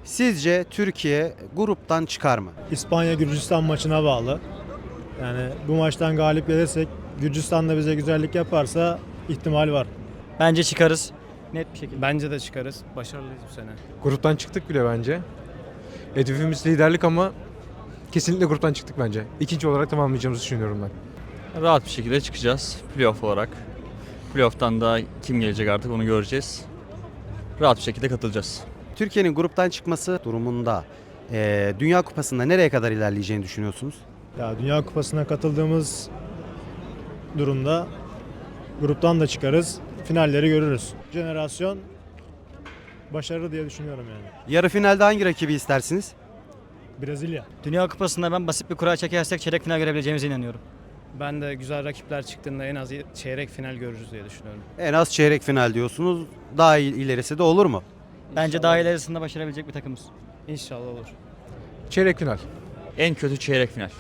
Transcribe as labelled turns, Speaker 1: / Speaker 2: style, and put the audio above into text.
Speaker 1: Sizce Türkiye gruptan çıkar mı?
Speaker 2: İspanya-Gürcistan maçına bağlı. Yani bu maçtan galip gelirsek Gürcistan da bize güzellik yaparsa ihtimal var.
Speaker 3: Bence çıkarız. Net bir şekilde.
Speaker 4: Bence de çıkarız. Başarılıyız bu sene.
Speaker 5: Gruptan çıktık bile bence. Hedefimiz liderlik ama kesinlikle gruptan çıktık bence. İkinci olarak tamamlayacağımızı düşünüyorum ben.
Speaker 6: Rahat bir şekilde çıkacağız playoff olarak. Playoff'tan da kim gelecek artık onu göreceğiz. Rahat bir şekilde katılacağız.
Speaker 1: Türkiye'nin gruptan çıkması durumunda Dünya Kupası'nda nereye kadar ilerleyeceğini düşünüyorsunuz?
Speaker 2: Ya Dünya Kupası'na katıldığımız durumda gruptan da çıkarız. Finalleri görürüz. Jenerasyon başarılı diye düşünüyorum yani.
Speaker 1: Yarı finalde hangi rakibi istersiniz?
Speaker 2: Brezilya.
Speaker 3: Dünya Kupası'nda ben basit bir kura çekersek çeyrek final görebileceğimize inanıyorum.
Speaker 4: Ben de güzel rakipler çıktığında en az çeyrek final görürüz diye düşünüyorum.
Speaker 1: En az çeyrek final diyorsunuz. Daha ilerisi de olur mu?
Speaker 3: Bence daha ilerisinde başarabilecek bir takımız.
Speaker 4: İnşallah olur.
Speaker 5: Çeyrek final.
Speaker 6: En kötü çeyrek final.